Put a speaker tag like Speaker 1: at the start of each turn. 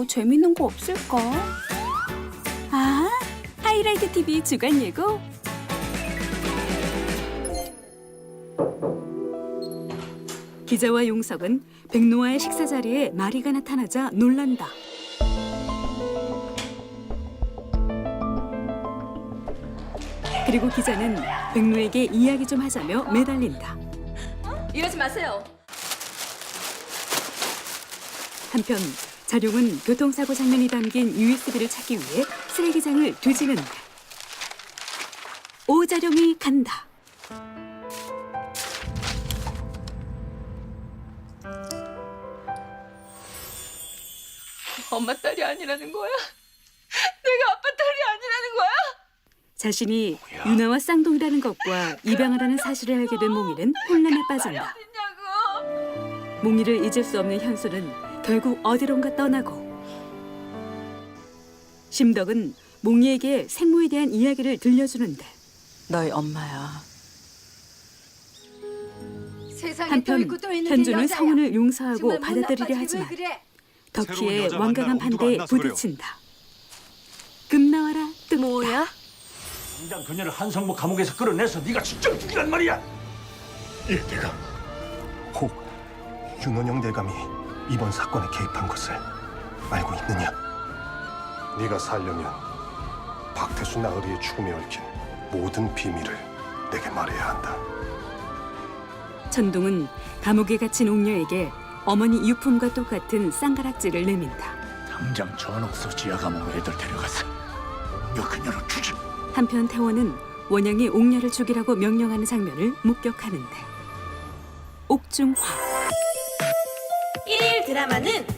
Speaker 1: 뭐 재밌는 거 없을까? 아, 하이라이트 TV 주간 예고. 기자와 용석은 백노아의 식사 자리에 마리가 나타나자 놀란다. 그리고 기자는 백노에게 이야기 좀 하자며 매달린다.
Speaker 2: 이러지 마세요.
Speaker 1: 한편 자룡은 교통사고 장면이 담긴 USB를 찾기 위해 쓰레기장을 뒤지는데 오자룡이 간다.
Speaker 2: 엄마 딸이 아니라는 거야? 내가 아빠 딸이 아니라는 거야?
Speaker 1: 자신이 유나와 쌍둥이라는 것과 입양을 하는 사실을 알게 된 몽이는 혼란에 빠진다.
Speaker 2: 어딨냐고.
Speaker 1: 몽이를 잊을 수 없는 현수는 결국 어디론가 떠나고 심덕은 몽이에게 생모에 대한 이야기를 들려주는데
Speaker 3: 너희 엄마야.
Speaker 2: 세상에 또
Speaker 1: 한편
Speaker 2: 있고 또 있는 게
Speaker 1: 현주는
Speaker 2: 여자야.
Speaker 1: 성훈을 용서하고
Speaker 2: 정말 못
Speaker 1: 받아들이려
Speaker 2: 나빠지,
Speaker 1: 하지만
Speaker 2: 왜 그래?
Speaker 1: 덕희의
Speaker 4: 여자
Speaker 1: 완강한
Speaker 4: 만날 엄두가
Speaker 1: 반대에
Speaker 4: 안 나서 그래요.
Speaker 1: 부딪힌다. 금 나와라 뜬다.
Speaker 2: 뭐야?
Speaker 5: 당장 그녀를 한성모 감옥에서 끌어내서 네가 직접 죽이란 말이야.
Speaker 4: 내가
Speaker 6: 혹 윤원영 대감이 이번 사건에 개입한 것을 알고 있느냐? 네가 살려면 박태수 나으리의 죽음에 얽힌 모든 비밀을 내게 말해야 한다.
Speaker 1: 천동은 감옥에 갇힌 옥녀에게 어머니 유품과 똑같은 쌍가락질을 내민다.
Speaker 5: 당장 전옥서 지하 감옥 애들 데려가서 너 그녀를 주지.
Speaker 1: 한편 태원은 원영이 옥녀를 죽이라고 명령하는 장면을 목격하는데 옥중화.
Speaker 7: 일일 드라마는